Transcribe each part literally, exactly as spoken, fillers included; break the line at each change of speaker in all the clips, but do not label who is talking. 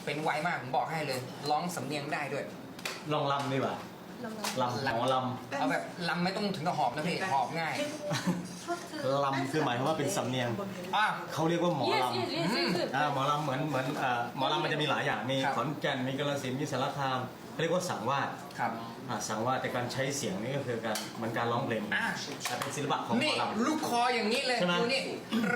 เป็นไวมากผมบอกให้เลยร้องสำเนียงได้ด้วย
ลองลำดีกว่าลำหมอล
เอาแบบลำไม่ต้องถึงกับหอบนะพี่หอบง่าย
ำลำคือหมายความว่าเป็นสำเนียง
อ่ะ
เขาเรียกว่าหมอ
yes
ลำ
yes yes yes
อ่าหมอลำเหมือนเหมือนอ่าหมอลำมันจะมีหลายอย่างมี
ครับ
ขอนแก่นมีกาฬสินธุ์มีสารคามเขาเรียกว่าสังวาส
ครับ
อ่าสังวาสแต่การใช้เสียงนี่ก็คือการเหมือนการร้องเพลง
อ่ะ
แต่เป็นศิลปะของหม
นี่
อลำ
ลูกคออย่างนี้เลย
ใช่ไหม
ดูนี่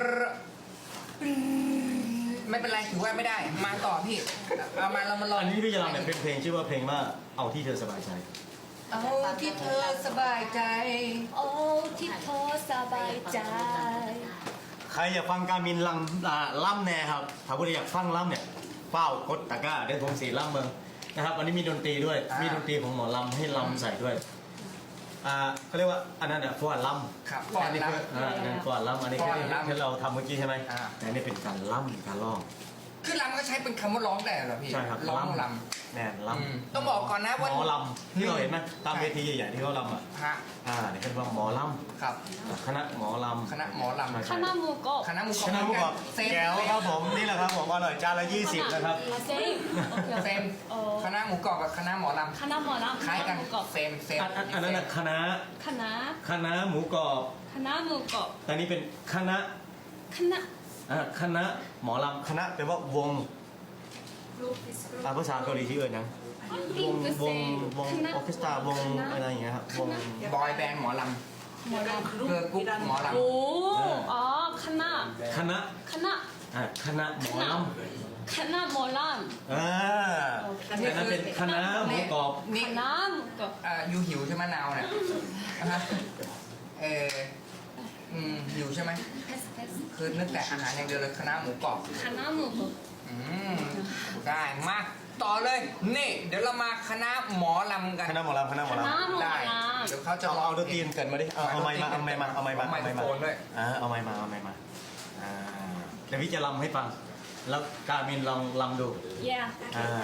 ไม่เป็นไรถือว่าไม่ได้ มาต่อพี่เอามาเรามาลอง
อันนี้พี่จะลำเนี่ยเป็นเพลงชื่อว่าเพลงว่าเอาที่เธอสบายใจ
เอาที่เธอสบายใจ
โอ้ที่เธอสบายใจ
ใครอยากฟังการมินลำอ่าล่ำแน่ครับถ้าผู้ใดอยากฟังล่ำเนี่ยเฝ้ากดตะกร้าเดี๋ยวผมสีล่ำเมืองนะครับวันนี้มีดนตรีด้วย
อ่ามี
มีดนตรีของหมอลำให้ลำใส่ด้วยอ่าเขาเรียกว่าอันนั้นเนี่ยฟอนลำ
ครับฟ้อน
อันนี้
ลำ
คืออ่าอันนั้นฟอนลำอันนี้คือ
ฟ้อนลำ
ที่เราทำเมื่อกี้ใช่ไหม
อ่า
แต่อันนี้เป็นการล่ำการร้อง
คือลำก็ใช้เป็นคำว่าร้องได้เหรอพี่
ใช่ครับ
ร้องล
แน่น
ำ
ล
อืมต้องบอกก่อนนะ
ำห
ว่าม
อลำที่เราเห็นไหมตามเวทีใหญ่ๆที่เขาลำอ่ะ
ฮะ
อ่าเนี่ยเป็นว่าหมอล
ครับ
ำคณะหมอลำ
คณะหมอลำ
คณะหมูกรอบ
คณะหมูกรอบ
คณะหมูกรอบ
เซม
แก้วครับผมนี่แหละครับผมอร่อยจานละยี่สิบนะครับ
อ่ะเซมโอเค
เซม
โอ้
คณะหมูกรอบกับคณะหมอล
คณะหมอลำ
ำคล้ายกัน
หมูกรอบ
เซมเซม
อันอันอันนั้นน่ะคณะ
คณะ
คณะหมูกรอบ
คณะหมูกรอบ
แต่นี่เป็นคณะ
คณะ
อ่าคณะหมอลำคณะแปลว่าวงอ่าภาษาเกาหลีชื่ออะไรนะวงวงวงออร์เคสตราวงอะไรอย่างเงี้ยครับวง
บอยแบนด์หมอล
หมอล
ำเกิร์ลกรุ๊ปหมอล
ำโอ้อ๋อคณะ
คณะ
คณะ
อ่าคณะหมอล
คณะหมอล
ำอ่าแต่นั้นเป็นคณะหมูกรอบ
ำ
นี่
คณะหมูกรอบ
อ่ายูหิวใช่ไหมนาวเนี่ยนะฮะเอออืมหิวใช่ไหม
เพสเพส
คือนึกแต่อาหารอย่างเดียวเลยคณะหมูกรอบ
คณะหมูกรอบ
อืมได้มาต่อเลยนี่เดี๋ยวเรามาคณะหมอลำกัน
คณะหมอลำคณะหม
ค
อลำ
ณะหมอ
ได้
ล
เดี๋ยวเขาจะ
เอา
ร้ง
เอาดนตรีเกิดมาดิเอาเอาไม้มาเอาไม้มาเอาไม้มา
เอาไมโครโฟนด้วย
อ่าเอาไม้มาเอาไม้มาอ่าเดี๋ยวพี่จะลำให้ฟัง แล้วการมินลองลำดู
ำ yeah
อ่า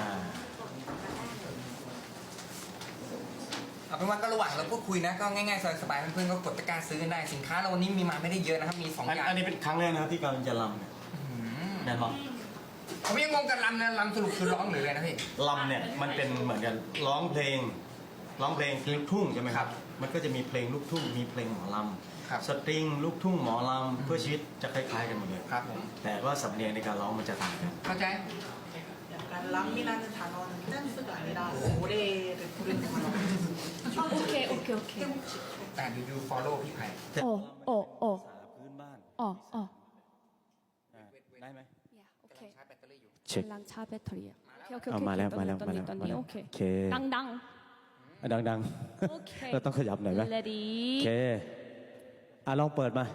เอาเป็นว่าก็ระหว่างเราพูดคุยนะก็ง่ายๆสบายๆเพื่อนๆก็กดตะกร้าซื้อกันได้สินค้าเราวันนี้มีมาไม่ได้เยอะนะครับมีสอง
อัน
อย่าง
อันนี้เป็นครั้งแรกนะครับที่การมินจะลำเนี่ย
อืม
แน่นอน
ผมยังงงกับลำนะลำสรุปคือร้องหรืออะไรนะพี่
ลำเนี่ยมันเป็นเหมือนกันร้องเพลงร้องเพลงลูกทุ่งใช่ไหมครับ มันก็จะมีเพลงลูกทุ่งมีเพลงหมอล
ครับ
ำสตริงลูกทุ่งหมอลำเพื่อชีวิตจะคล้ายๆกันหมดเลย
ครับผม
แต่ว่าสำเนียงในการร้องมันจะต่างกัน
เข้าใจ
약간 람이라는 단어는 댄스가 아니라 노래를 부르는 거라고.
โอเคโอเคโอเค
แต่ดูดู follow พี่ไผ่
แต่
โอ้โอ้โอ้
ภาษาพื้นบ้าน
อ๋ออ๋อ
อ่าได้ไหม
yeah โอเค
ชาร์จแบตเตอรี่อยู่
เช็ค
กำลังชาร์จแบตเตอรี่อะโอเคโอเค
เอา
โอเค
มาแล้ว
ตอน
มาแล้ว
นี้ตอน
มาแล้
นี้
ว
ตอน
มา
นี้
แล้ว
โอเค
โอเค
ดังดัง
อ่ะดัง
โอเค
ๆเราต้องขยับหน่อยไหม
ready
โอเคอ่ะลองเปิดมา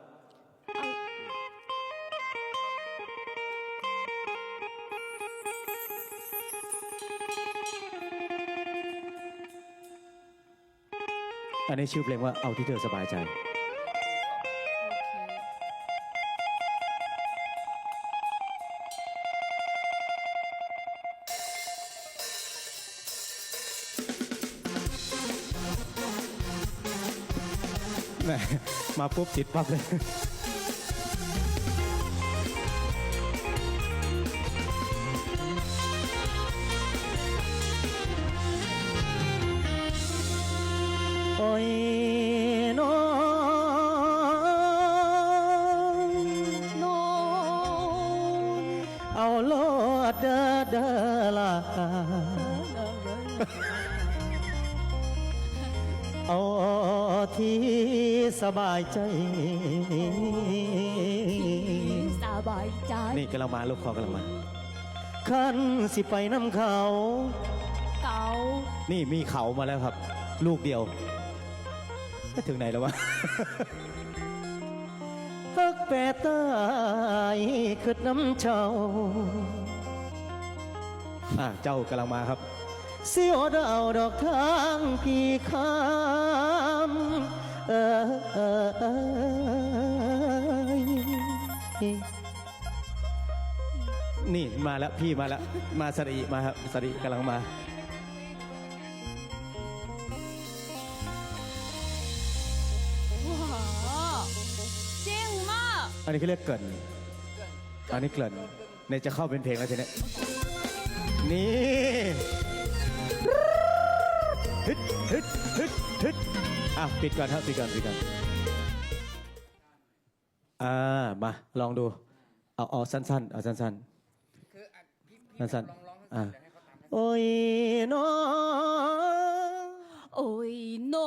อันนี้ชื่อเพลงว่าเอาที่เธอสบายใจ
โอเค
แหมมาปุ๊บติดปั๊บเลย โอ้ยน้อง
no
เอาโลดเด้อเด้อล่ะเอาที่สบายใจ
สบายใจ
นี่กำลังมาลูกคอกำลังมาขันสิไปน้ำเขา
เก่า
นี่มีเขามาแล้วครับ ลูกเดียวจะถึงไหนแล้ววะ ฮักแปรตายขึ้นน้ำเจ้าอ่ะเจ้ากำลังมาครับ เสียวดาวดอกทางพี่คำเออเออเออนี่มาแล้วพี่มาแล้ว มาสรีมาครับสรีกำลังมา
ว้าวเจ๋งมาก
อันนี้เขาเรียกเกรินอันนี้เกรินเนี่ยจะเข้าเป็นเพลงแล้วทีเนี้ยนี่ฮึดฮึดฮึดฮึดอ่ะปิดก่อนครับปิดก่อนปิดก่อนอ่ามาลองดูเอาเอาสั้นๆเอาสั้น
คืออ่ะพี่พี่
สั้นๆ
ลองร้องให้
อ่ะ
เดี๋ยวให้เขาตามให้
ๆโอ้ยน้อ
โอ้ยโน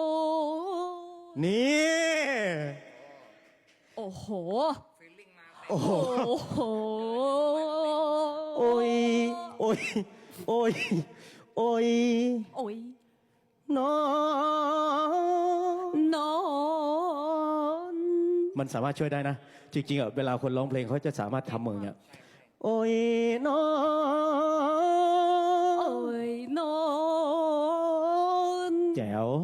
นี่
โอ้โห
ฟีลลิ่งมา
โอ้โห
โอ้โห
โอ้ยโอ้ยโอ้ยโอ้ย
โอ้ย
น้อ
นอน
มันสามารถช่วยได้นะ จริงๆอ่ะเวลาคนร้องเพลงเขาจะสามารถทำมือเนี่ยโอ้ยน้อ
โอ้ยนอน
แจ๋ว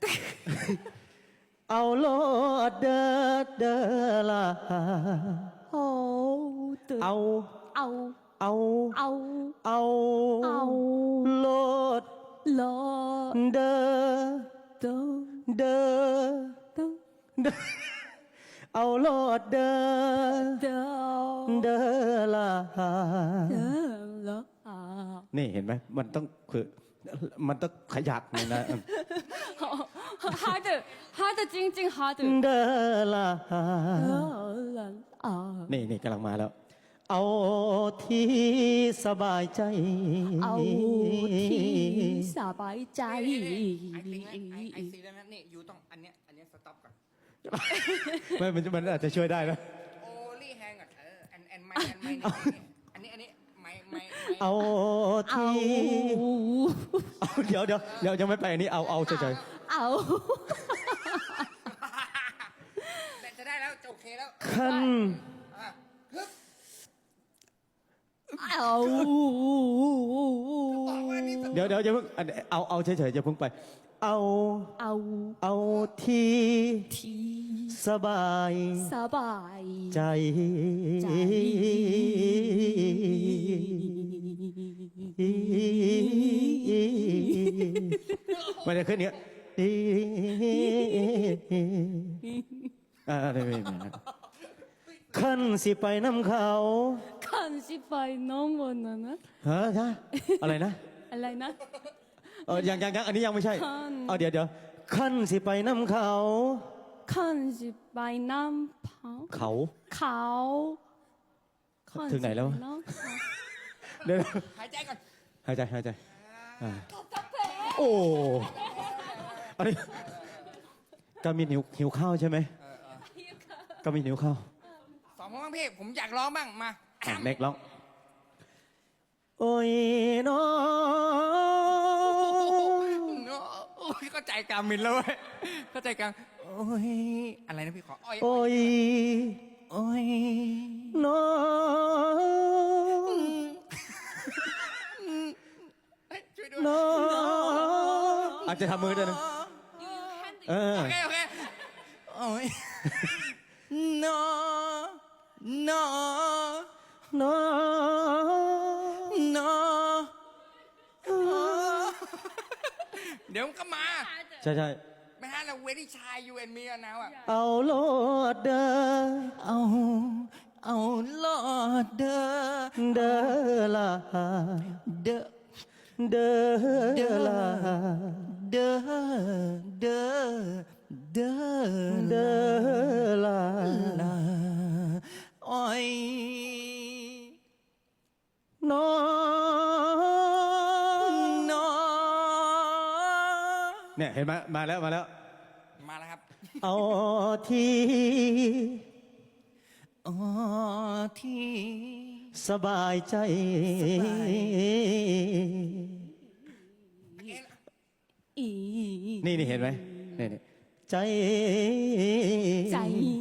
เอาโลดเด้อเด้อละ
โอ้ตึก
เอา
เอา
เอา
เอา
เอา
เอา
โลด
ลอ
เด้อ
เด้อ
เด้อ
เด้อ
เด้อเอาโลดเด้อ
เด้อ
เด้อละ
เด้อละอ่า
นี่เห็นไหมมันต้องคือมันต้องขยักหน่อยนะ
hard hard จริงจริง hard
เด้อละ
เด้อละอ่า
นี่นี่กำลังมาแล้ว เอาที่สบายใจ
เอาที่สบายใจ
ไอซีนะไอไอซีแล้วนะนี่ยูต้องอันเนี้ยอันเนี้ยสต็อปก่อน
ไม่มันมันอาจจะช่วยได้นะ
โอลี่แฮงก่อนเออแอนแอนไมแอนไมนี่อันนี้อันนี้ไมไมไม
เอา
เอา
ที่เอาเดี๋ยวเดี๋ยวเดี๋ยวยังไม่ไปอันนี้เอาเอาเฉย
เอา
แต่จะได้แล้วจะโอเคแล้ว
ๆขั้น
อ่ะฮึบ
เอา
บอกว่านี่
เดี๋ยวเดี๋ยวจะเพิ่งอันเอาเอาเฉยๆจะเพิ่งไป เอา
เอา
เอาที่
ที่
สบาย
สบาย
ใจ
ใจ
มันจะขึ้นเนี้ยอ่าไม่ไม่ไม่ขั้นสิไปน้ำเขา
คันสิไปน้องวันนั้นนะ
ฮะฮะอะไรนะ
อะไรนะ
เออยังยังยังอันนี้ยังไม่ใช่
ขั้น
เอาเดี๋ยวเดี๋ยวขั้นสิไปน้ำเขา
คันสิไปน้ำเผา
เขา
เขาคัน
ถึงไหนแล้ว
สิปน้ำเขา
เดี๋ยว
หายใจก่อน
หายใจหายใจอ่าโอ้อันนี้กามินหิวหิวข้าวใช่ไหมกามินหิวข้าว
สองคนบ้างพี่ผมอยากร้องบ้างมา
อ่ะเน็กร้องโอ้ยน้อ
โอ้ยเข้าใจกามินแล้วเว้ยเข้าใจกาโอ้ยอะไรนะพี่ขออ้อย
โอ้ย
โอ้ย
น้อ
เฮ้ยช่วยด้วย
น้ออาจจะทำมือด้วยนะเออ
โอเคโอเคโอ้ย no no
น้อ
no เดี๋ยวมันก็มา
ใช่ใช่
ไม่ฮะเราเวทีชายยูเอ็นมีแล้วนะอ่ะ
เอาโลดเด้อ
เอาเอาลอดเด้อ
เด้อละ
เด้อ
เด้อละ
เด้อเด้อเด้อ
เด้อละ
ลาอ้อย
น้อ
น้อ
เนี่ยเห็นไหมมาแล้วมาแล้ว
มาแล้วครับ
เอาที่
อ๋อที่
สบายใจ
อี
นี่นี่เห็นไหมนี่นี่ใจ
ใจ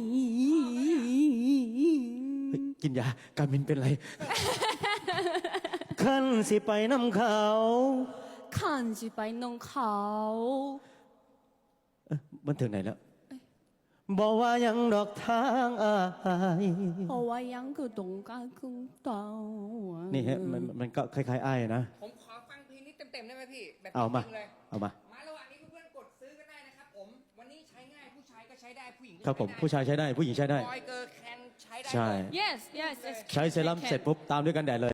เฮ้ยกินยาการมินเป็นไร ขั้นสิไปน้ำเขา
คันสิไปน้องเขา
เอ๊ะมันถึงไหนแล้ว บอกว่ายังดอกทางอาย
เพราะว่ายังคือตรงกลางคือเต่า
นี่ฮะมันมันก็คล้ายๆอ้ายนะ
ผมขอฟังเพลงนี้เต็มๆได้ไหมพี่ แบบ
เอามา
จริงๆเลย
เอามา
มาระหว่างนี้เพื่อนๆกดซื้อก็ได้นะครับผม วันนี้ใช้ง่ายผู้ชายก็ใช้ได้ผู้หญิงก็
ครับผมผู้ชายใช้ได้ผู้หญิงใช้ได้
บอยเกอร์แคนใช้ได้
ใช่
หมด
yes yes yes
ใช้เซรั่มเสร็จปุ๊บตามด้วยกันแดดเลย